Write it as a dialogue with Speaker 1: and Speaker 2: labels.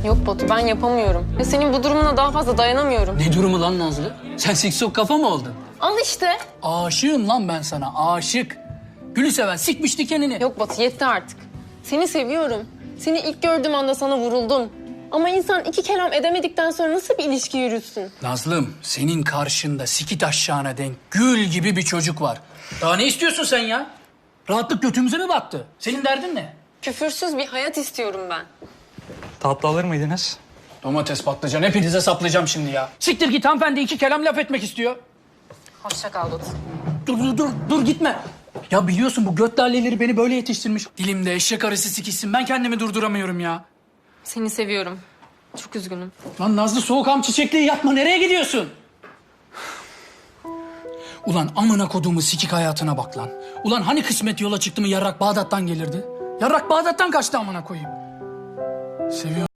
Speaker 1: Yok Batu, ben yapamıyorum. Ya senin bu durumuna daha fazla dayanamıyorum.
Speaker 2: Ne durumu lan Nazlı? Sen siksok kafa mı oldun?
Speaker 1: Al işte.
Speaker 2: Aşığım lan ben sana, aşık. Gülü seven sikmiş dikenini.
Speaker 1: Yok Batu, yetti artık. Seni seviyorum. Seni ilk gördüğüm anda sana vuruldum. Ama insan iki kelam edemedikten sonra nasıl bir ilişki yürütsün?
Speaker 2: Nazlım, senin karşında sikit aşağına denk gül gibi bir çocuk var. Daha ne istiyorsun sen ya? Rahatlık götümüze mi battı? Senin derdin ne?
Speaker 1: Küfürsüz bir hayat istiyorum ben.
Speaker 3: Tatlı alır mıydınız?
Speaker 2: Domates, patlıcan hepinize saplayacağım şimdi ya. Siktir git, hanımefendi iki kelam laf etmek istiyor.
Speaker 1: Hoşça kal Batu.
Speaker 2: Dur gitme. Ya biliyorsun bu göt laleleri beni böyle yetiştirmiş. Dilimde eşek arısı sikişsin, ben kendimi durduramıyorum ya.
Speaker 1: Seni seviyorum. Çok üzgünüm.
Speaker 2: Lan Nazlı, soğukam çiçekliği yapma, nereye gidiyorsun? Ulan amına koduğumu sikik hayatına bak lan. Ulan hani kısmet yola çıktı mı yarrak Bağdat'tan gelirdi? Yarrak Bağdat'tan kaçtı amına koyayım. Seviyorum.